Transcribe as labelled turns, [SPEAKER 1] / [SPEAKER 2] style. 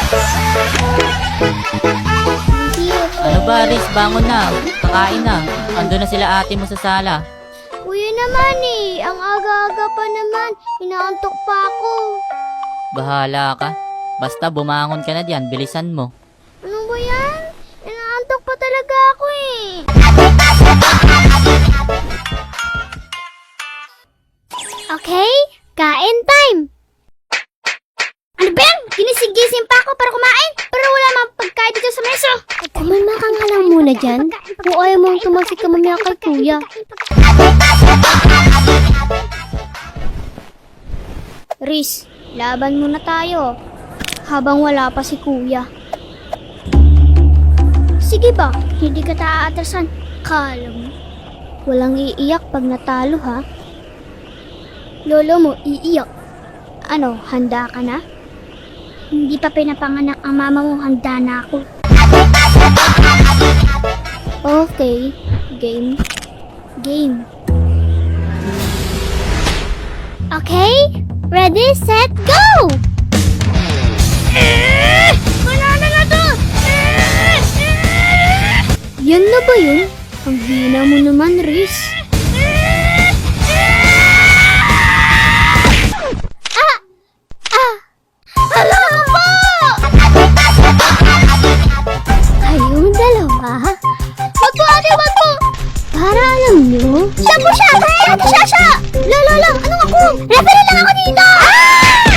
[SPEAKER 1] Ano ba, Riz? Bangon na. Kakain na. Ando na sila ate mo sa sala.
[SPEAKER 2] Kuya naman eh. Ang aga-aga pa naman. Inaantok pa ako.
[SPEAKER 1] Bahala ka. Basta bumangon ka na diyan, bilisan mo.
[SPEAKER 2] Ano ba yan? Inaantok pa talaga ako eh. Okay, kain time! Ano ba yan? Ginisigising pa ako para kumain, pero wala mang pagkain dito sa mesa. Kumalma ka nga lang muna dyan. Kung ayaw mong tumagsik ka mamaya kay kuya. Riz, laban muna tayo. Habang wala pa si kuya. Sige ba, hindi ka taaatrasan. Kala mo. Walang iiyak pag natalo ha. Lolo mo iiyak. Ano, handa ka na? Hindi pa pinapanganak ang mama mo, handa na ako. Okay, game. Game. Okay, ready, set, go! Banana na to! Yan na ba yun? Ang hina mo naman, Riz. Hala ka po! Kayong dalawa? Wag po, ate, wag po! Para alam nyo? Siya po siya! Kaya ate siya! Lolo, anong ako? Referee lang ako dito!